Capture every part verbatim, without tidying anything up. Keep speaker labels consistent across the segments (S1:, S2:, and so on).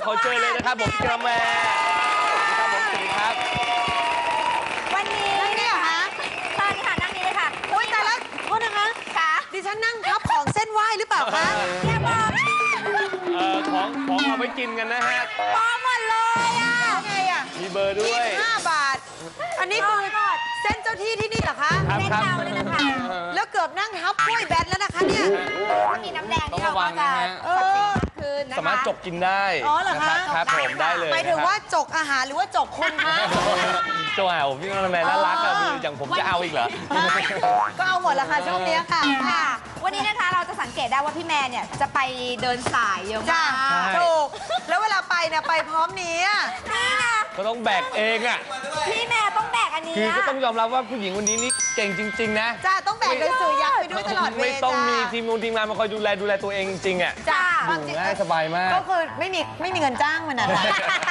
S1: ขอเชิญเลยนะครับผมกระแมครับผมสวัสดีครับ
S2: วันนี้เนี่ยเหรอคะตอนนี้ค่ะนั่งนี้เลยค่ะอุ้ยแต่ละโทษนะคะค่ะดิฉันนั่งทับของเส้นไหว้หรือเปล่าคะแค่บอก
S1: เอ่อของของเอาไว้กินกันนะฮะ
S2: ปอหมดเลยอ่ะไงอ่ะ
S1: มีเบอร์ด้วย
S2: ห้าบาทอันนี้คือเส้นเจ้าที่ที่นี่เหรอคะ
S1: เส้นเรา
S2: เลยนะคะแล้วเกือบนั่งทับกล้วยแบนแล้วนะคะเนี่ยมีน้ำแดงที่เราก็จะคืนนะคะ
S1: สามารถจกกินได้
S2: อ๋อเหรอคะ
S1: ครับผมได้เลย
S2: หมายถึงว่าจกอาหารหรือว่าจกคนคะ
S1: จกอาหารผมพี่กระแมน่ารักอะดูอย่างผมจะเอาอีกเหรอ
S2: ก็เอาหมดละค่ะช่วงนี้ค่ะวันนี้นะคะเราจะสังเกตได้ว่าพี่แมนเนี่ยจะไปเดินสายเยอะมากถูกแล้วเวลาไปเนี่ยไปพร้อมนี้นี่ไง
S1: ก็ต้องแบกเองอ่ะ
S2: พี่แม่ต้องแบกอันนี้
S1: คือก็ต้องยอมรับว่าผู้หญิงคนนี้นี่เก่งจริงๆนะ
S2: จ้าต้องแบกหนังสือยักษ์ไปด้วยตลอดเวลา
S1: ไม่ต้องมีทีมงานทีมงานมาคอยดูแลดูแลตัวเองจริงๆอ่ะ
S2: จ้า
S1: ดูง่ายสบายมาก
S2: ก็คือไม่มีไม่มีเงินจ้างมันนะคะ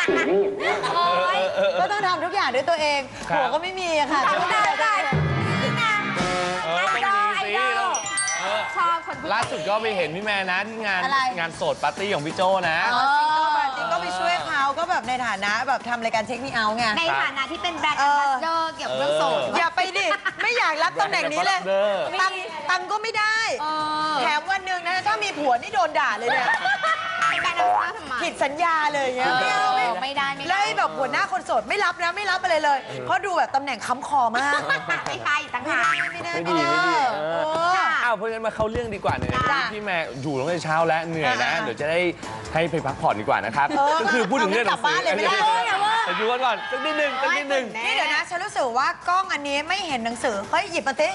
S2: ก็ต้องทำทุกอย่างด้วยตัวเองหัวก็ไม่มีอะค่ะทำได้ได้
S1: เออต้องมีสิ
S2: ชอบคน
S1: ล่าสุดก็ไปเห็นพี่แม่นะที่งานงานโสดปาร์ตี้ของพี่โจนะ
S2: จริงก็ไปช่วยเขาก็แบบในฐานะแบบทำรายการเช็คมีเอาไงในฐานะที่เป็นแบรนด์แอมบาสเดอร์เกี่ยวกับเรื่องโสดอย่าไปดิไม่อยากรับตำแหน่งนี้เลยตังตังก็ไม่ได้แถมวันหนึ่งนะถ้ามีผัวนี่โดนด่าเลยเนี่ยผิดสัญญาเลยเงี้ยไม่ได้ไม่ได้เลยแบบหัวหน้าคนโสดไม่รับนะไม่รับอะไรเลยเพราะดูแบบตำแหน่งค้ำคอมากไม่ใช่ต่างหาก
S1: ไม่ดีไม่ดีอ้าวเพราะฉะนั้นมาเข้าเรื่องดีกว่าเนี่ยพี่แม่อยู่ตั้งแต่เช้าแล้วเหนื่อยนะเดี๋ยวจะได้ให้ไปพักผ่อนดีกว่านะครับก็คือพูดถึงเรื่องหนังสือแต่อยู่กันก่อนสักนิดนึงสักนิดนึง
S2: นี่เดี๋ยวนะฉันรู้สึกว่ากล้องอันนี้ไม่เห็นหนังสือเฮ้ยหยิบมาสิ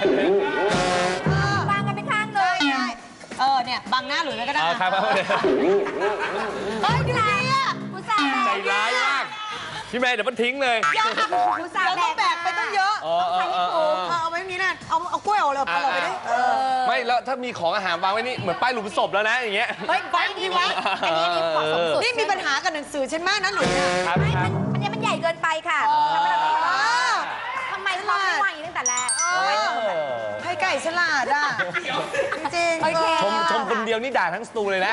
S2: วางกันไปข้างเลยเออเนี่ยบังหน้าหลุยไว้ก็ได้
S1: ครับครับ
S2: เฮ้ยดูดิอ่ะกูสาแบก
S1: ใจร้ายมากพี่แม่เดี๋ยวมันทิ้งเลย
S2: กูสาแบกแบกไปต้องเยอะเอาไว้นี้นั่นเอาเอากล้วยเอาเลยเอาเราไปด้วย
S1: ไม่แล้วถ้ามีของอาหารวางไว้นี่เหมือนป้ายหลุมศพแล้วนะอย่างเงี้ย
S2: เฮ้ยไว้ดีไว้อันนี้นี่เหมาะสมสุดนี่มีปัญหากับหนังสือฉันมากนะหลุย
S1: ครับครับ
S2: อันนี้มันใหญ่เกินไปค่ะทำไมทำไมไม่วางอย่างนี้ตั้งแต่แรกให้ไก่ฉลาดอ่ะจริง
S1: ชมชมคนเดียวนี่ด่าทั้งสตูเลยนะ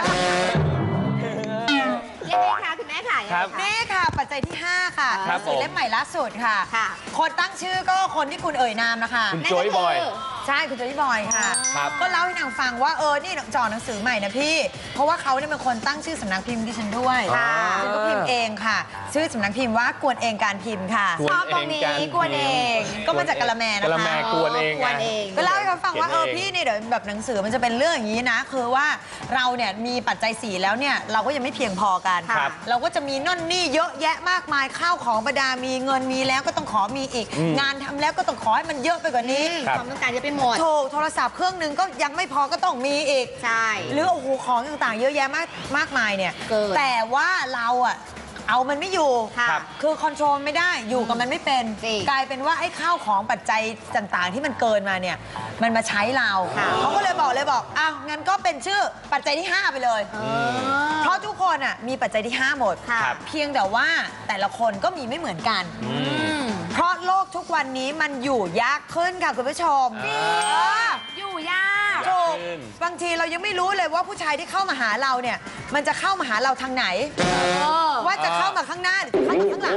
S2: เรียกได้ค่ะคุณแม่ค่ะนี่ค่ะปัจจัยที่ห้าค่ะหนังสือเล่มใหม่ล่าสุดค่ะคนตั้งชื่อก็คนที่คุณเอ่ยนามนะคะ
S1: คุณโจ้ยบอย
S2: ใช่คุณโจ้ยบอยค่ะก็เล่าให้นางฟังว่าเออนี่จอหนังสือใหม่นะพี่เพราะว่าเขาเนี่ยเป็นคนตั้งชื่อสำนักพิมพ์ดิฉันด้วยฉันก็พิมพ์เองค่ะชื่อสำนักพิมพ์ว่ากวนเองการพิมพ์ค่ะชอบตรงนี้กวนเองก็มาจากกะละแมนะคะ
S1: กะละแมกวนเอง
S2: ก็เล่าให้เขาฟังว่าเออพี่เนี่ยเดี๋ยวแบบหนังสือมันจะเป็นเรื่องอย่างนี้นะคือว่าเราเนี่ยมีปัจจัยสี่แล้วเนี่ยเราก็ยังไม่เพียงพอกันเราก็จะมีน่นนี่เยอะแยะมากมายข้าวของประดามีเงินมีแล้วก็ต้องขอมีอีกงานทำแล้วก็ต้องขอให้มันเยอะไปกว่านี้ความต้องการจะไปหมดถูกโทรศัพท์เครื่องนึงก็ยังไม่พอก็ต้องมีอีกใช่หรือโอ้โหของต่างๆเยอะแยะมากมากมายเนี่ยแต่ว่าเราอะเอามันไม่อยู่คือคอนโทรลไม่ได้อยู่กับมันไม่เป็นกลายเป็นว่าไอ้ข้าวของปัจจัยต่างๆที่มันเกินมาเนี่ยมันมาใช้เราเขาก็เลยบอกเลยบอกอ้าวงั้นก็เป็นชื่อปัจจัยที่ห้าไปเลยเพราะทุกคนอ่ะมีปัจจัยที่ห้าหมดเพียงแต่ว่าแต่ละคนก็มีไม่เหมือนกันเพราะโลกทุกวันนี้มันอยู่ยากขึ้นค่ะคุณผู้ชมอยู่ยากถูกบางทีเรายังไม่รู้เลยว่าผู้ชายที่เข้ามาหาเราเนี่ยมันจะเข้ามาหาเราทางไหนว่าจะเข้ามาข้างหน้าหรือเข้ามาข้างหลัง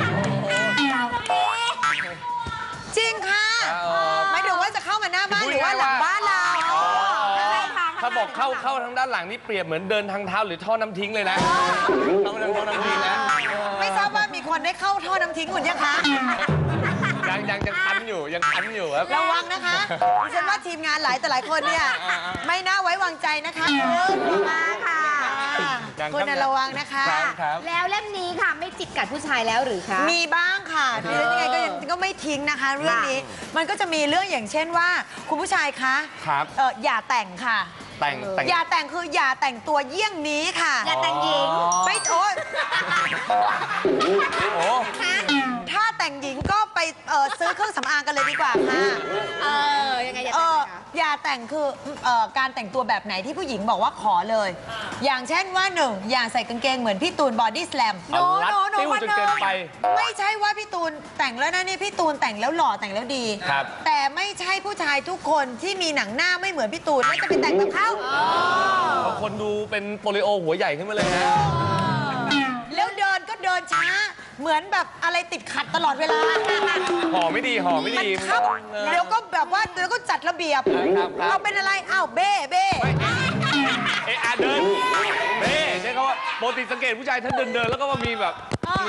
S2: จริงค่ะไม่ถึงว่าจะเข้ามาหน้าบ้านหรือว่าหลังบ้านเรา
S1: ถ้าบอกเข้าเข้าทางด้านหลังนี่เปรียบเหมือนเดินทางเท้าหรือท่อน้ำทิ้งเลยนะเข้าทางท่อน้ำทิ้งนะ
S2: ไม่ทราบว่ามีคนได้เข้าท่อน้ำทิ้งคุณยังคะ
S1: ยังยังยังคันอยู่ยังคันอยู่ครับ
S2: ระวังนะคะดิฉันว่าทีมงานหลายแต่หลายคนเนี่ยไม่น่าไว้วางใจนะคะคุณมาค่ะคุณระวังนะคะแล้วเล่มนี้ค่ะไม่จิกกัดผู้ชายแล้วหรือคะมีบ้างค่ะดิฉันยังไงก็ยังก็ไม่ทิ้งนะคะเรื่องนี้มันก็จะมีเรื่องอย่างเช่นว่าคุณผู้ชายคะ
S1: ครับ
S2: เอออย่าแต่งค่ะ
S1: แต่ง
S2: อย่าแต่งคืออย่าแต่งตัวเยี่ยงนี้ค่ะอย่าแต่งหญิงไม่โอ๊ยถ้าแต่งหญิงก็ไปซื้อเครื่องสำอางกันเลยดีกว่าค่ะเออยังไงอย่าแต่งอย่าแต่งคือการแต่งตัวแบบไหนที่ผู้หญิงบอกว่าขอเลยอย่างเช่นว่าหนึ่งอย่าใส่กางเกงเหมือนพี่ตูนบอดี้สแลม
S1: โนโนโนวันนึง
S2: ไม่ใช่ว่าพี่ตูนแต่งแล้วนะนี่พี่ตูนแต่งแล้วหล่อแต่งแล้วดีแต่ไม่ใช่ผู้ชายทุกคนที่มีหนังหน้าไม่เหมือนพี่ตูนแล้วจะไปแต่งกับเขา
S1: บางคนดูเป็นโปลิโอหัวใหญ่ขึ้นมาเลยนะ
S2: เหมือนแบบอะไรติดขัดตลอดเวลา
S1: ห่อไม่ดีห่อไม่
S2: มัน
S1: ดี
S2: ครับเดี๋ยวก็แบบว่าเดี๋ยวก็จัดระเบียบ
S1: ครับครับ
S2: เราเป็นอะไรอ้าวเบ้เบ้
S1: เอะอะเดินเบ้ใช่เขาว่าปกติสังเกตผู้ชายท่านเดินเดินแล้วก็ว่ามีแบบมี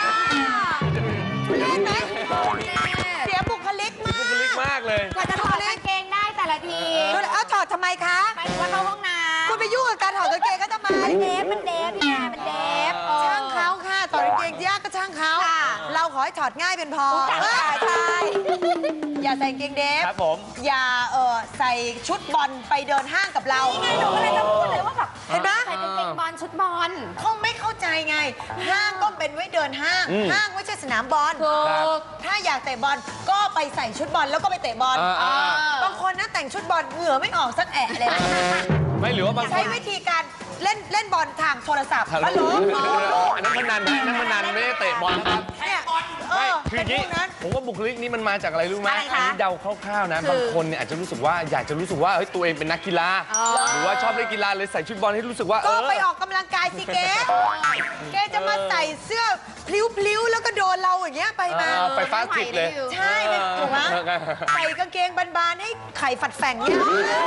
S2: เห็นไหมเสียบุคลิกมา
S1: บุคลิก
S2: ก
S1: มากเลย
S3: กว่าจะถอดกางเกงได้แต่ละที
S2: ดูเลยเอาถอดทำไมคะ
S3: หมายถึงว่าเข้าห้องน้ำ
S2: คุณไปยุ่งกับการถอดกางเกงก็ทำไม
S3: เดฟมันเดฟเนี่ยมันเดฟ
S2: ช่างเขาค่ะถอดกางเกงยากก็ช่างเขา
S3: ค่ะ
S2: เราขอให้ถอดง่ายเป็นพอ
S3: ใช่ใช่
S2: อย่าใส่กางเกงเดฟ
S1: ครับผม
S2: อย่าเออใส่ชุดบอลไปเดินห้างกับเรา
S3: นี่ไงหนูก็เลยจะพูดเลยว่าแบบ
S2: เห็นไหม
S3: ใส่กางเกงบอลชุดบอล
S2: คงไม่เข้าใจไง ห้างก็เป็นไว้เดินห้าง
S1: อืม
S2: ห้างไม่ใช่สนามบอล
S1: ครับ
S2: ถ้าอยากเตะบอลก็ไปใส่ชุดบอลแล้วก็ไปเตะบอล
S1: อ่าอ่า
S2: บางคนนะแต่งชุดบอลเหงื่อไม่ออกสักแอะเลย
S1: ไม่หรือว่าบางค
S2: ใช้
S1: น
S2: วิธีการเล่นเล่นบอลทางโทรศัพท์
S1: ฮัลโหล
S2: ฮัลโหล
S1: อันนั้นพนันนะอันนั้นพนันไม่ได้เตะบอลนะครับ
S2: เนี่ยเอ
S1: ไม่
S2: อ
S1: คืออย่างนี้
S2: เป็นพวกนั้น
S1: ผมว่าบุคลิกนี้มันมาจากอะไรรู้ไหม
S3: อะไรคะ
S1: อันี้เดาคร่าวๆนะ
S3: คือบ
S1: างคนเนี่ยอาจจะรู้สึกว่าอยากจะรู้สึกว่าเฮ้ยตัวเองเป็นนักกีฬา
S3: อ๋อ
S1: หรือว่าชอบเล่นกีฬาเลยใส่ชุดบอลให้รู้สึกว่าเอ
S2: ก็
S1: อ
S2: ไปออกกำลังกายสิเก๊แกจะมาใส่เสื้อพลิ้วๆแล้วก็โดนเราอย่างเงี้ยไปมา
S1: เออไปฟาสต์ทริปเลย
S2: ใช่เป็นถูกไหม
S1: เออ
S2: ใส่กางเกงบานๆให้ไข่ฝัดแฝงเนี่ย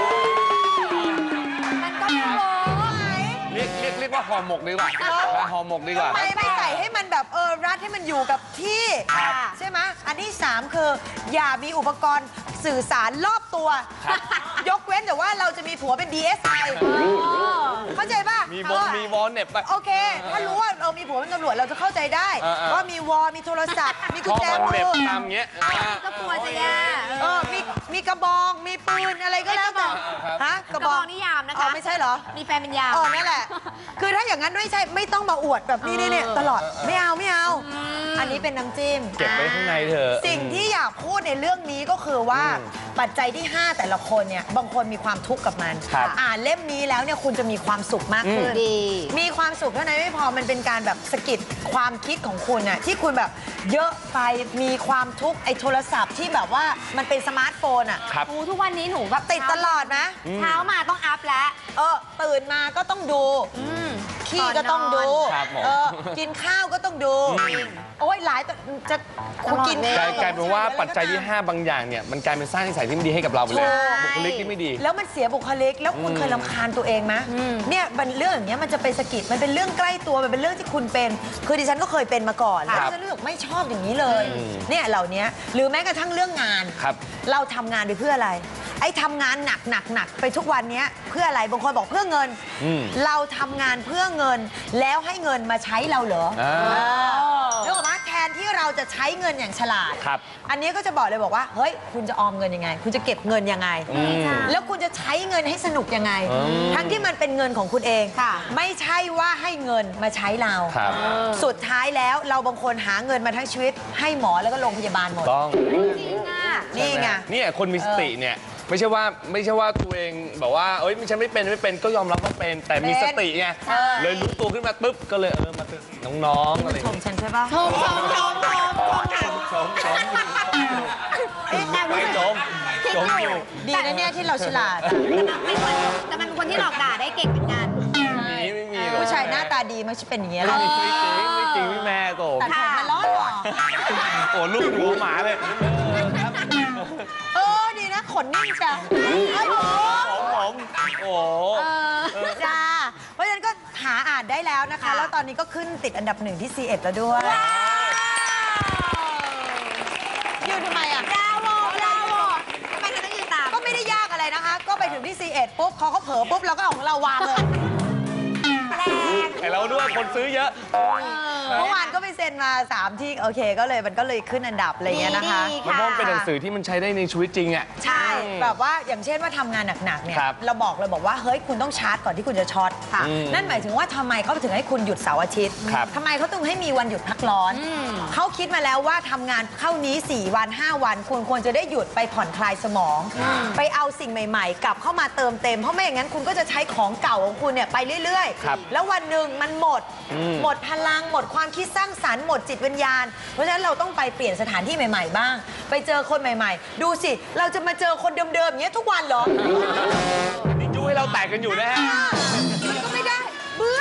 S3: มันก็ไม่โว้
S1: เรียกเรียกเรียกว่าห่อหมกดีกว่าห่อหมกดีกว่า
S2: ทำไมไม่ใส่ให้มันแบบเออรัดให้มันอยู่กับที่
S3: ครับ
S2: ใช่ไหมอันที่สามคือ อย่ามีอุปกรณ์สื่อสารรอบตัว ยกเว้นแต่ว่าเราจะมีผัวเป็น ดี เอส ไอ เข้าใจป่ะ
S1: มีบงมีวอลเน็บไป
S2: โอเค ถ้ารู้ว่าเรามีผัวเป็นตำรวจเราจะเข้าใจได้
S1: เออเออ
S2: ว่ามีวอลมีโทรศัพท์ มีกุญ
S1: ข้อ
S2: แจ
S1: มัน
S2: มื
S1: เน็บ
S2: อ
S1: ตามเงี้ย
S3: ก็กลัวจะแย่
S2: เออมีมีกระบอง มีปืนอะไรก็แล้วแต่
S1: ครับ
S2: ฮะ
S3: กระบองนิยามนะ
S2: อ๋อ
S3: คะ
S2: ไม่ใช่เหรอ
S3: มีแฟนเป็นยาม
S2: อ๋อนั่นแหละ คือถ้าอย่างนั้นไม่ใช่ไม่ต้องมาอวดแบบนี้นี่เนี่ยตลอดไม่เอาไม่เอา อันนี้เป็นน้ำจิ้ม
S1: เก็บไว้ข้างในเถอะ
S2: สิ่งที่อยากพูดในเรื่องนี้ก็คือว่า
S1: อืม
S2: ปัจจัยที่ ห้า แต่ละคนเนี่ยบางคนมีความทุกข์กับมัน
S1: ครับ
S2: อ่านเล่มนี้แล้วเนี่ยคุณจะมีความสุขมากขึ้น
S3: ดี
S2: มีความสุขเท่านั้นไม่พอมันเป็นการแบบสะกิดความคิดของคุณน่ะที่คุณแบบเยอะไปมีความทุกข์ไอ้โทรศัพท์ที่แบบว่ามันเป็นสมาร์ทโฟนอ่ะ
S1: ครับ
S3: โอ้ทุกวันนี้หนูแบบ
S2: ติดตลอดนะ
S3: เช้ามาต้องอัพแล้ว
S2: เออตื่นมาก็ต้องดู
S3: อืม
S2: ขี้ก็ต้องดู
S1: ครับผม
S2: เออกินข้าวก็ต้องดู โอ้ยหลายแต่จะคุณกิน
S3: ตลอดเว
S1: ก
S3: ล
S1: ลายกลายเป็นว่าปัจจัยที่ ห้า บางอย่างเนี่ยมันกลายเป็นสร้างนิสัยที่ไม่ดีให้กับเราไปเลย
S3: ถูก
S1: บุคลิกที่ไม่ดี
S2: แล้วมันเสียบุคลิก แล้วคุณเคยรำคาญตัวเองไหม
S3: อืม
S2: เนี่ยมันเรื่องอย่างเงี้ยมันจะเป็นสะกิดมันเป็นเรื่องใกล้ตัวมันเป็นเรื่องที่คุณเป็น คือดิฉันก็เคยเป็นมาก่อน
S1: ครั
S2: แล้ว
S1: บ
S2: ดิฉันรู้สึกไม่ชอบอย่างนี้เลย
S1: อืม
S2: เนี่ยเหล่านี้หรือแม้กระทั่งเรื่องงาน
S1: ครับ
S2: เราทำงานไปเพื่ออะไร ไอ้ทำงานหนักหนักหนักไปทุกวันเนี้ยเพื่ออะไรบางคนบอกเพื่อเงิน
S1: อืม
S2: เราทำงานเพื่อเงิน แล้วให้เงินมาใช้เราเหรอ
S1: อ่า
S2: เออนึกออกไหมแทนที่เราจะใช้เงินอย่างฉลาด
S1: ครับ
S2: อันนี้ก็จะบอกเลยบอกว่าเฮ้ยคุณจะออมเงินยังไง คุณจะเก็บเงินยังไง
S1: อืม
S2: แล้วคุณจะใช้เงินให้สนุกยังไง
S1: อืม
S2: ทั้งที่มันเป็นเงินของคุณเอง
S3: ค่ะ
S2: ไม่ใช่ว่าให้เงินมาใช้เรา
S1: ครับ
S2: สุดท้ายแล้วเราบางคนหาเงินมาทั้งชีวิต ให้หมอแล้วก็โรงพยาบาลหมด
S1: ต้อง
S3: จริงอ่ะ
S2: นี่ไง
S1: เนี่ยคนมีสติเนี่ยไม่ใช่ว่าไม่ใช่ว่าตัวเองแบบว่าเอ้ยฉันไม่เป็นไม่เป็นก็ยอมรับว่าเป็น แต่มีสติไง
S2: ใช่
S1: เลยรู้ตัวขึ้นมาปุ๊บก็เลยเออมาเตือนน้องๆอะไรอย่าง
S2: ชม
S1: เงี้ย
S2: ฉันใช่ปะ
S3: ชมชมชมชมชมค่ะ
S1: ชมชมไม่ชมชมอยู่
S2: ดีนะเนี่ยที่เราฉลาดอะ
S3: แต่มันแต่มันคนที่หลอกด่าได้เก่งเหมือนกัน
S1: มีไม่มีหรอก
S2: ผู้ชายหน้าตาดีมันจะเป็นอย่างเงี้ยแห
S1: ไม่
S2: ละ
S1: จริงไม่จริงพี่แม่โต
S2: ตัดผมมาล้อหรอ
S1: โอ้ลูกหัวหมาเลย
S2: เออดีนะขนนิ่งจ้ะครับผม
S1: ผมผมโอ้
S2: จ้าเพราะฉะนั้นก็หาอ่านได้แล้วนะคะ
S3: ค่ะ
S2: แล้วตอนนี้ก็ขึ้นติดอันดับหนึ่งที่ ซี เอ็ด แล้วด้วยยืนทำไมอ่ะ
S3: บราโวบราโวทำไมเธอต้องยืนตาม
S2: ก็ไม่ได้ยากอะไรนะคะ ก็ไปถึงที่ ซี เอ็ด ปุ๊บเขาก็เผลอปุ๊บเราก็เอาของเราวางเลย
S3: แรง
S1: ไอเราด้วยคนซื้อเยอะ
S2: เมื่อวานก็ไปเซ็นมา สาม ที่โอเคก็เลยมันก็เลยขึ้นอันดับอะไรเงี้ยนะคะ
S3: ดี
S1: มันเพราะมันเป็นหนังสือที่มันใช้ได้ในชีวิตจริงอ่ะ
S2: ใช่แบบว่าอย่างเช่นว่าทำงานหนักๆเนี่ย
S1: ครับ
S2: เราบอกเลยบอกว่าเฮ้ยคุณต้องชาร์จก่อนที่คุณจะช็อต
S3: ค่ะ
S1: อืม
S2: นั่นหมายถึงว่าทำไมเขาถึงให้คุณหยุดเสาร์อาทิตย์
S1: ครับ
S2: ทำไมเขาต้องให้มีวันหยุดพักร้อน
S3: อืม
S2: เขาคิดมาแล้วว่าทำงานเข้านี้ สี่ วัน ห้า วันคุณควรจะได้หยุดไปผ่อนคลายสมอง ไปเอาสิ่งใหม่ๆ กลับเข้ามาเติมเต็มเพราะไม่อย่างนั้นคุณก็จะใช้ของเก่าของคุณเนี่ยไปเรื่อย
S1: ครับ
S2: ๆ แล้ววันหนึ่งมันหมด
S1: อืม
S2: หมดพลังหมดความคิดสร้างสรรค์หมดจิตวิญญาณ เพราะฉะนั้นเราต้องไปเปลี่ยนสถานที่ใหม่ๆ บ้าง ไปเจอคนใหม่ๆ ดูสิเราจะมาเจอคนเดิมๆอย่างเงี้ยทุกวันเหรอ
S1: นี่จู้ให้เราแตกกันอยู่นะฮะ
S2: มันก็ไม่ได้เบื่อเบื่อกัน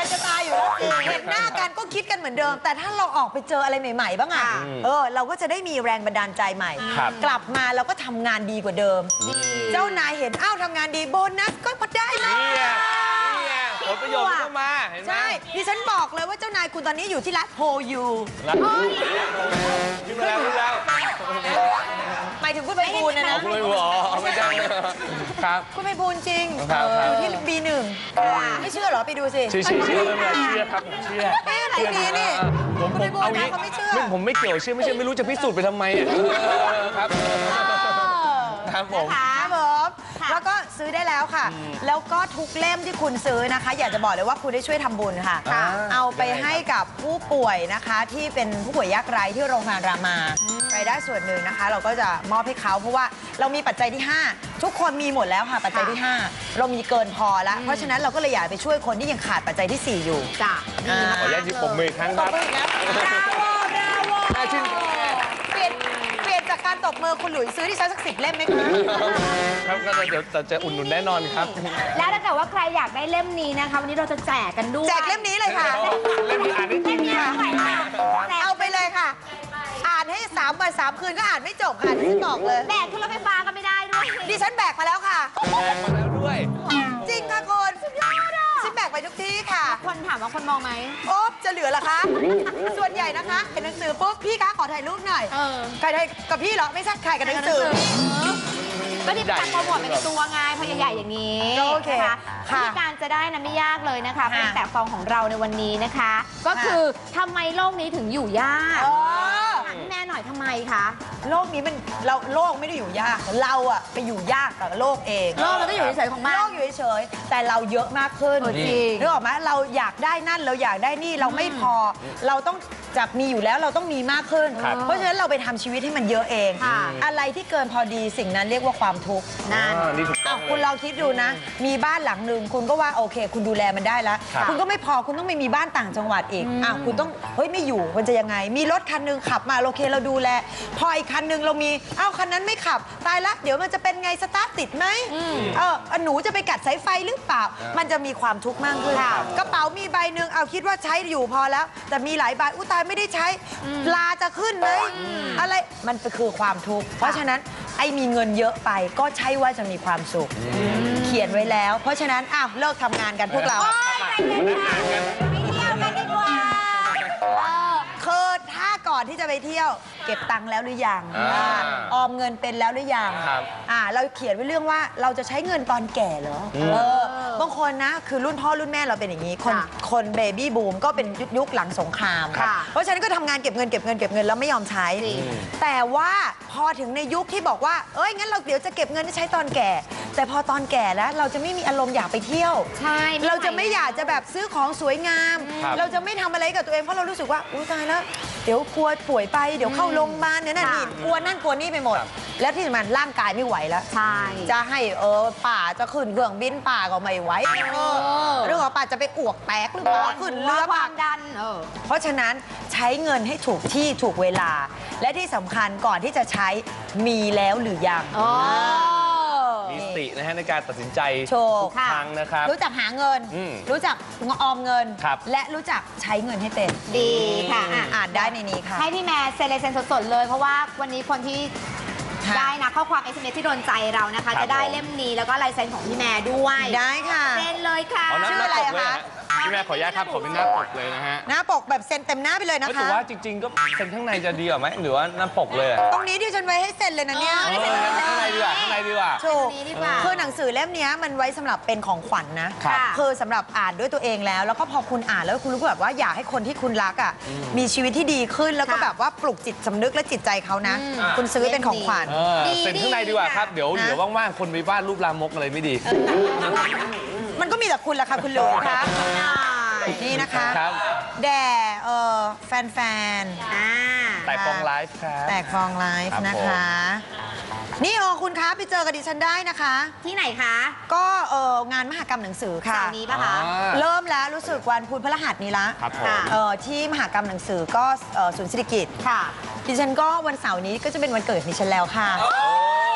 S2: กันจะตายอยู่แล้วเห็นหน้ากันก็คิดกันเหมือนเดิม แต่ถ้าเราออกไปเจออะไรใหม่ๆบ้างอะเออเราก็จะได้มีแรงบันดาลใจใหม่ กลับมาเราก็ทำงานดีกว่าเดิม เจ้านายเห็นอ้าวทำงานดีโบนัสก็พอได้มา
S1: ผลประโยชน์มันก็มาเห็นไหม
S2: ใช่ดิฉันบอกเลยว่าเจ้านายคุณตอนนี้อยู่ที่ร้านโฮยู
S1: รักขึ้นมาแล้วขึ้นแล้ว
S2: หมายถึงคุณไปบูลนะนะ
S1: คุณไม่รู้อ๋อไม่ใช่ครับ
S2: คุณไปบูลจริง
S1: ครับ
S2: อยู่ที่ บี หนึ่ง ไม่เชื่อเหรอไปดูสิ
S1: เชื่อเชื่อเชื่อไม่เชื่อครับผมเชื่อ
S2: เอ๊ะอะไรดีนี่
S1: ผม
S2: คุณ
S1: ผ
S2: ไป
S1: ม
S2: บูล
S1: เอา
S2: นะ
S1: งี้
S2: เขาไม่เชื่อ
S1: ไม่ผมไม่เกี่ยวเชื่อไม่เชื่อไม่รู้จะพิสูจน์ไปทำไมอ่ะครับครับผม
S2: ครับผมแล้วก็ซื้อได้แล้วค่ะ แล้วก็ทุกเล่มที่คุณซื้อนะคะ อยากจะบอกเลยว่าคุณได้ช่วยทำบุญค่ะ
S1: อ่า
S2: เอาไปให้กับผู้ป่วยนะคะ ที่เป็นผู้ป่วยยากไร้ที่โรงพยาบาลรามารายได้ส่วนหนึ่งนะคะ เราก็จะมอบให้เขาเพราะว่าเรามีปัจจัยที่ ห้า ทุกคนมีหมดแล้วค่ะปัจจัยที่ ห้า เรามีเกินพอแล้ว เพราะฉะนั้นเราก็เลยอยากไปช่วยคนที่ยังขาดปัจจัยที่ สี่ อยู่
S3: จ้ะ
S2: อ่า
S1: ขออนุญาตจิบปมมืออีกครั้งครับ
S2: บราโว
S1: น่าชื่น
S2: เปลี่ยนเปลี่ยนจากการตบมือคุณหลุยซื้อที่ฉันสักสิบเล่มไหมคะ
S1: ครับก็เดี๋ยวจะอุ่นหนุนแน่นอนครับ
S3: แล้วถ้าเกิดว่าใครอยากได้เล่มนี้นะคะวันนี้เราจะแจกกันด้วย
S2: แจกเล่มนี้เลยค่ะ
S1: เล่มนี้อ่านได้จริง
S3: เนี่ย
S1: ค่ะ
S3: เท่าไหร่คะแจก
S2: เอาไปเลยค่ะ อ่านให้สามวันสามคืนก็อ่านไม่จบค่ะดิฉันบอกเลย
S3: แบกขึ้นรถไฟฟ้าก็ไม่ได้ด้วย
S2: ดิฉันแบกมาแล้วค่ะ
S1: แบกมาแล้วด้วย
S2: จริงค่ะคุณสุดยอดอ่ะฉันแบกไปทุกที่ค่ะ
S3: คนถามว่าคนมองไหม
S2: โอ๊บจะเหลือเหรอคะ ส่วนใหญ่นะคะเห็นหนังสือปุ๊บพี่คะขอถ่ายรูปหน่อย
S3: เออ
S2: ใครถ่ายกับพี่เหรอไม่ใช่ใครกับหนังสือ
S3: ก็ที่การโปรโมทเป็นตัวไงเพราะใหญ่ๆอย่างนี้
S2: โอเค
S3: นะคะ
S2: ค่ะ
S3: วิธีการจะได้นะไม่ยากเลยนะคะ
S2: ค่ะ
S3: เป็นแต่ฟองของเราในวันนี้นะคะ ก็คือทำไมโลกนี้ถึงอยู่ยาก
S2: เออ
S3: ถามพี่แม่หน่อยทำไมคะ
S2: โลกนี้มันเราโลกไม่ได้อยู่ยาก เราอะไปอยู่ยากกับโลกเอง
S3: โลกมันก็อยู่เฉยๆของมัน
S2: โลกอยู่เฉยๆแต่เราเยอะมากขึ้น
S3: เออจริง
S2: นึกออกไหมเราอยากได้นั่นเราอยากได้นี่เราไม่พอ เราต้องจากมีอยู่แล้วเราต้องมีมากขึ้น
S1: ครับ
S2: เพราะฉะนั้นเราไปทำชีวิตให้มันเยอะเอง
S3: ค่ะ
S2: อะไรที่เกินพอดีสิ่งนั้นเรียกว่าความทุกข์
S3: นั่น
S1: อ่านี่ถูกต้
S2: อ้า
S1: อ
S2: ว
S1: ง
S2: คุณ
S1: เลย
S2: ลองคิดดูนะ มีบ้านหลังหนึ่งคุณก็ว่าโอเค คุณดูแลมันได้แล้ว
S1: ครับ
S2: คุณก็ไม่พอคุณต้องไปมีบ้านต่างจังหวัดอีกอ้าวคุณต้องเฮ้ยไม่อยู่มันจะยังไง มีรถคันหนึงขับมาโอเคเราดูแล พออีกคันหนึงเรามีอ้าวคันนั้นไม่ขับตายละเดี๋ยวมันจะเป็นไงสตาร์ทติดไหมเออหนูจะไปกัดสายไฟหรือเปล่า มันจะมีความทุกข์มากขึ้นกระเป๋ามีใบหนึ่งเอาคิดว่าใช้อยู่พอแล้ว แต่มีหลายใบอุ้ตายไม่ได้ใช้ลาจะขึ้นไหมอะไรมันคือความทุกข์เพราะฉะนั้นไอ้มีเงินเยอะไปก็ใช่ว่าจะมีความสุข เขียนไว้แล้ว เพราะฉะนั้นอ้าวเลิกทำงานกันพวกเรา
S3: ไปเที่ยวกันดีกว่าเออ
S2: คือถ้าก่อนที่จะไปเที่ยว เก็บตังค์แล้วหรือยัง
S1: อ่า
S2: อ่าออมเงินเป็นแล้วหรือยัง
S1: ครับ
S2: อ่าเราเขียนไว้เรื่องว่าเราจะใช้เงินตอนแก่เหรออเออบางคนนะคือรุ่นพ่อรุ่นแม่เราเป็นอย่างนี้ คน
S3: ค่ะ
S2: คนเบบี้บูมก็เป็นยุคยุคหลังสงคราม
S3: ค่ะ
S2: เพราะฉะนั้นก็ทำงานเก็บเงินเก็บเงินเก็บเงินแล้วไม่ยอมใช้
S3: จริง
S2: แต่ว่าพอถึงในยุคที่บอกว่าเอ้ยงั้นเราเดี๋ยวจะเก็บเงินที่ใช้ตอนแก่ แต่พอตอนแก่แล้วเราจะไม่มีอารมณ์อยากไปเที่ยว
S3: ใช่
S2: เราจะไม่อยากจะแบบซื้อของสวยงาม
S1: ครับ
S2: เราจะไม่ทำอะไรกับตัวเองเพราะเรารู้สึกว่าอุ้ยตายแล้ว เดี๋ยวกลัวป่วยไปเดี๋ยวเข้าโรงพยาบาลเนี่ยนั่นนี่กลัวนั่นกลัวนี่ไปหมด แล้วที่สำคัญร่างกายไม่ไหวแล้ว
S3: ใช่
S2: จะให้เออป่าจะขึ้นเครื่องบินป่าก็ไม่ไหวเออเรื่องของป่าจะไปอ้วกแตกหรือเปล่าขึ้นเรือ
S3: ค
S2: ป่า
S3: วามดันเออ
S2: เพราะฉะนั้นใช้เงินให้ถูกที่ถูกเวลา และที่สำคัญก่อนที่จะใช้มีแล้วหรือยัง
S3: อ๋อ
S1: มีสตินะฮะในการตัดสินใจ
S2: โชว์
S1: ทุกครั้งนะครับ
S2: รู้จักหาเงิน
S1: อืม
S2: รู้จักออมเงิน
S1: ครับ
S2: และรู้จักใช้เงินให้เป็น
S3: ดีค่ะอ่ะ
S2: อ่านได้ในนี้ค่ะ
S3: ให้พี่แม่เซ็นลายเซ็นสดๆเลย เพราะว่าวันนี้คนที่
S2: ค่ะ
S3: ได้นะข้อความ เอส เอ็ม เอส ที่โดนใจเรานะคะ
S1: ครับ
S3: จะได้
S1: ผม
S3: เล่มนี้แล้วก็ลายเซ็นของพี่แม่ด้วย
S2: ได้ค่ะ
S3: เซ็นเลยค่ะ
S1: เอาหน้า
S2: ชื่ออะไร
S1: ปก
S2: อะ
S1: เลย
S2: คะ
S1: ฮะพี่แม่ขออนุญาตครับขอเป็นหน้าปกเลยนะฮะ
S2: หน้าปกแบบเซ็นเต็มหน้าไปเลยนะ
S1: แต่
S2: คะ
S1: ว่าจริง ๆ ก็เป็นข้างในจะดีกว่าไหมหรือว่าหน้าปกเลยอะ
S2: ตรงนี้ที่ฉันไว้ให้เซ็นเลยนะเนี่ย
S3: เอ
S1: เอองั้นข้างในดีกว่าข้างในดีกว่า
S2: ถูก
S3: อันนี้ดีกว่า
S2: คือหนังสือเล่มเนี้ยมันไว้สำหรับเป็นของขวัญนะ
S1: ครับ
S3: ค่ะ
S2: คือสำหรับอ่านด้วยตัวเองแล้ว แล้วก็พอคุณอ่านแล้วคุณรู้แบบว่าอยากให้คนที่คุณรักอ่ะมีชีวิตที่ดีขึ้นแล้วก็
S3: ค่ะ
S2: แบบว่าปลุกจิตสำนึกและจิตใจเขานะ
S3: อืม
S2: คุณซื้อเป็นของขวัญ
S1: เออ
S3: ดี
S1: เซ็นข้างในดีกว่าครับ เดี๋ยว
S2: นะ
S1: เดี๋ยวว่างๆ คนไปวาดรูปลามกอะไรไม่ดี
S2: มันก็มีแต่คุณแหละค่ะคุณหลุยคะนี่นะคะ
S1: ครับ
S2: แด่เอ่อแฟน
S3: อ่า
S1: แต่ฟองไลฟ์ครับ
S2: ๆแตกฟองไลฟ์
S1: ครับ
S2: นะคะ นี่เออคุณคะไปเจอกับดิฉันได้นะคะ
S3: ที่ไหนคะ
S2: ก็เอองานมหกรรมหนังสือค่ะ
S3: เสาร์นี้ปะคะ
S1: อ่า
S2: เริ่มแล้วรู้สึกวันพุธพฤหัสนี้ละ
S1: ครับผม
S3: ค่ะ
S2: เอ่อที่มหกรรมหนังสือก็เอ่อศูนย์เศรษฐกิจ
S3: ค่ะ
S2: ดิฉันก็วันเสาร์นี้ก็จะเป็นวันเกิดของดิฉันแล้วค่ะ
S1: โอ้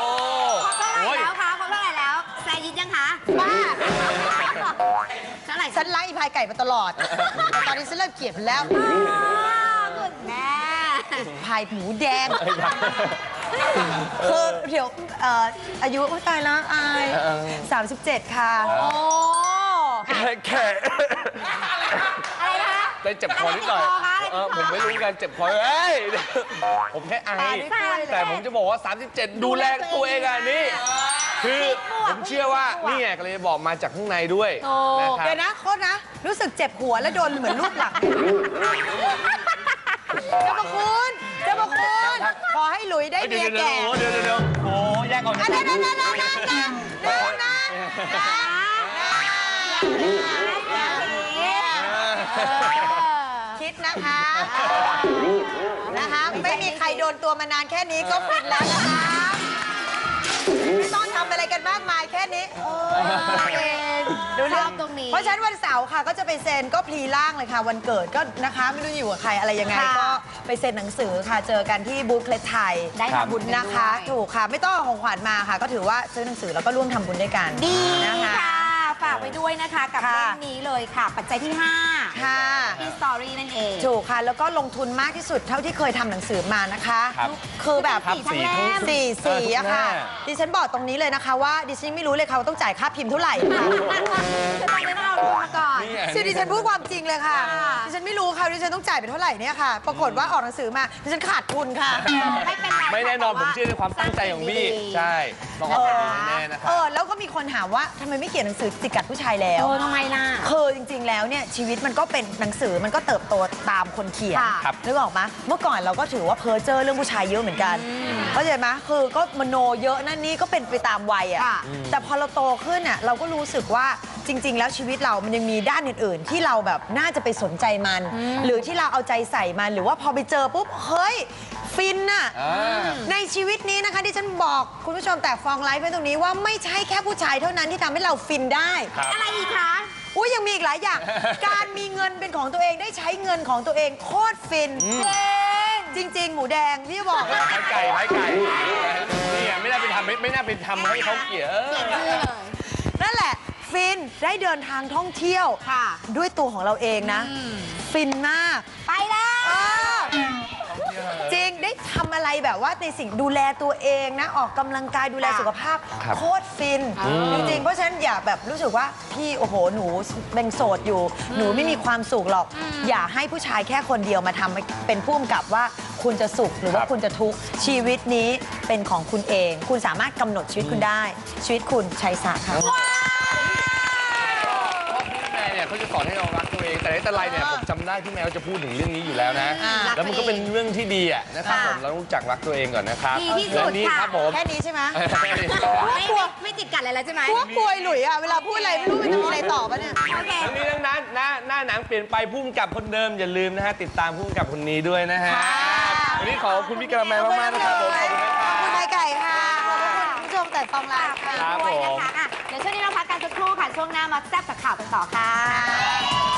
S3: ครบเท่าไหร่
S1: โอ้ย
S3: แล้วคะครบเท่าไหร่แล้วแซยิดยังคะบ้าเท่าไหร่
S2: ฉันไล่พายไก่มาตลอดแต่ตอนนี้ฉันเริ่มเกลียดมันแล้ว
S3: คุณแม่
S2: พายหมูแดงคือเดี๋ยวเอ่ออายุตายแล้วอายสามสิบเจ็ดค่ะโอ้
S1: แค่แค่
S3: อะไรนะคะ
S1: ได้เจ็บคอนิดหน่อยเออผมไม่รู้กันเจ็บคอเอ้ยผมแค่ไอแต่ผมจะบอกว่า สามสิบเจ็ด ดูแลตัวเองอ่ะนี่คือผมเชื่อว่านี่ไงก็เลยบอกมาจากข้างในด้วยนะครับ
S2: เดี๋ยวนะโคตรนะ รู้สึกเจ็บหัวแล้วโดนเหมือนรูปหลังเจ้าพระคุณเจ้าพระคุณขอให้หลุยได้เมียแก่
S1: เดี๋ยวเดี๋ยวเดี๋ยวโอ้แยกออก
S2: อันนั้นนั่นนั่นนั่นนั่นนั่นนั่นคิดนะคะนะคะไม่มีใครโดนตัวมานานแค่นี้ก็ฟินแล้วนะคะไม่ต้องทำอะไรกันมากมายแค่นี้ดูเรื่อง
S3: ตรงนี้
S2: เพราะฉะนั้นวันเสาร์ค่ะก็จะไปเซ็นก็พลีร่างเลยค่ะวันเกิดก็นะคะไม่รู้อยู่กับใครอะไรยังไงก็ไปเซ็นหนังสือค่ะเจอกันที่บูธเคล็ดไทย
S3: ได้ทำบุญ
S2: นะคะ ถูกค่ะไม่ต้องเอาของขวัญมาค่ะ ก็ถือว่าซื้อหนังสือแล้วก็ร่วมทำบุญด้วยกัน
S3: ดี
S2: นะคะ
S3: ค่ะ ฝากไปด้วยนะคะกับ
S2: ค่ะ
S3: เล่มนี้เลยค่ะ ปัจจัยที่ห้า
S2: ค่ะ
S3: ที่สตอรี่นั่นเอง
S2: ถูกค่ะแล้วก็ลงทุนมากที่สุดเท่าที่เคยทำหนังสือมานะคะ
S1: ครับ
S2: คือแบบ
S1: ครับสีทั้ง
S2: สี่สีอะค่ะ
S1: เออทุกหน้า
S2: ดิฉันบอกตรงนี้เลยนะคะว่าดิฉันไม่รู้เลยค่ะว่าต้องจ่ายค่าพิมพ์เท่าไหร่ค่ะ
S3: จะต้องได้เอาทุนมาก่อน
S1: นี่ไง
S2: คือดิฉันพูดความจริงเลยค่ะ
S3: ค่ะ
S2: ดิฉันไม่รู้ค่ะดิฉันต้องจ่ายไปเท่าไหร่เนี่ยค่ะ ปรากฏว่าออกหนังสือมาดิฉันขาดทุนค่ะ
S3: ไม่เป็นไร
S1: ไม่แน่นอนผมเชื่อในความตั้งใจของพี่ใช่ต้องออกมาดีแน่ๆนะครั
S2: เอบ อแล้วก็มีคนถามว่าทำไมไม่เขียนหนังสือจิกกัดผู้ชายแล้ว
S3: โอ้ทำไมล่ะ
S2: คือจริงๆ แล้วเนี่ยชีวิตมันก็เป็นหนังสือมันก็เติบโตตามคนเขียน
S3: ค่ะ
S1: ครับ
S2: นึกออกไหมเมื่อก่อนเราก็ถือว่าเพ้อเจ้อเรื่องผู้ชายเยอะเหมือนกันเข้าใจไหมคือก็มโนเยอะนั่นนี่ก็เป็นไปตามวัยอ่ะ
S3: ค่ะ
S2: แต่พอเราโตขึ้นอ่ะเราก็รู้สึกว่าจริง ๆ แล้วชีวิตเรามันยังมีด้านอื่น ๆ ที่เราแบบน่าจะไปสนใจมัน หรือที่เราเอาใจใส่มันหรือว่าพอไปเจอปุ๊บเฮ้ยฟินน่ะ
S1: อ่า
S2: ในชีวิตนี้นะคะที่ฉันบอกคุณผู้ชมแต่ฟองไลฟ์ไว้ตรงนี้ว่าไม่ใช่แค่ผู้ชายเท่านั้นที่ทำให้เราฟินได้
S1: ครับ
S3: อะไรอีกคะ
S2: อุ้ยยังมีอีกหลายอย่าง การมีเงินเป็นของตัวเองได้ใช้เงินของตัวเองโคตรฟินจริง ๆ หมูแดงพี่บอก
S1: ไม้ไก่ไม้ไก่นี่ไงไม่น่าไปทำไม่ไม่น่าไปทำให้เขาเกลียดเออ
S2: นั่นแหละฟินได้เดินทางท่องเที่ยว
S3: ค่ะ
S2: ด้วยตัวของเราเองนะ ฟินมาก
S3: ไปแล้ว
S2: เออจริงได้ทำอะไรแบบว่าในสิ่งดูแลตัวเองนะ ออกกำลังกายดูแลสุขภาพ
S1: ครับ
S2: โคตรฟิน จริง ๆ เพราะฉะนั้นอย่าแบบรู้สึกว่าพี่โอ้โหหนูเป็นโสดอยู่ หนูไม่มีความสุขหรอก อย่าให้ผู้ชายแค่คนเดียวมาทำเป็นผู้กำกับว่าคุณจะสุขหรือว่า
S1: ครับ
S2: คุณจะทุกข์ชีวิตนี้เป็นของคุณเอง คุณสามารถกำหนดชีวิตคุณได้ ชีวิตคุณชัยสะค่ะ
S1: พี่แมวเนี่ยเขาจะสอนให้เรารักตัวเอง แต่ในแต่ไรเนี่ยผมจำได้พี่แมวจะพูดถึงเรื่องนี้อยู่แล้วนะ
S2: อ่า
S1: แล้วมันก็เป็นเรื่องที่ดีอะนะครับผมเราต้องรู้จักรักตัวเองก่อนนะครับ
S3: ดีที่สุด
S1: และนี่
S3: ค่ะ
S1: ครับผม
S2: แค่นี้ใช่ไหม
S3: ไม่ไม่ไม่ติดกัดอะไรแล้วใช่ไหม
S2: พวกกลวยหลุยอะเวลาพูดอะไรไม่รู้มันจะมีอะไรตอบปะเนี่ย
S3: โอเค
S1: ทั้งนี้ทั้งนั้นหน้าหน้าหนังเปลี่ยนไปพุ่มกับคนเดิมอย่าลืมนะฮะติดตามพุ่มกับคนนี้ด้วยนะฮะ
S2: ค่ะ
S1: วันนี้ขอบคุณพี่กระแมมากๆนะครับผมขอบคุณนะค
S2: ข
S1: รั
S2: อบคุณ
S1: บ
S2: นายไก่ค่ะ ขอบคุณผู้ชมแต่ฟองไลน์ค่ะ
S1: ครับ
S3: ด้วย
S1: ผม
S3: นะคะอ่ะเดี๋ยวช่วงนี้เราพักกันสักครู่ค่ะ ช่วงหน้ามาแซ่บกับข่าวกันต่อค่ะ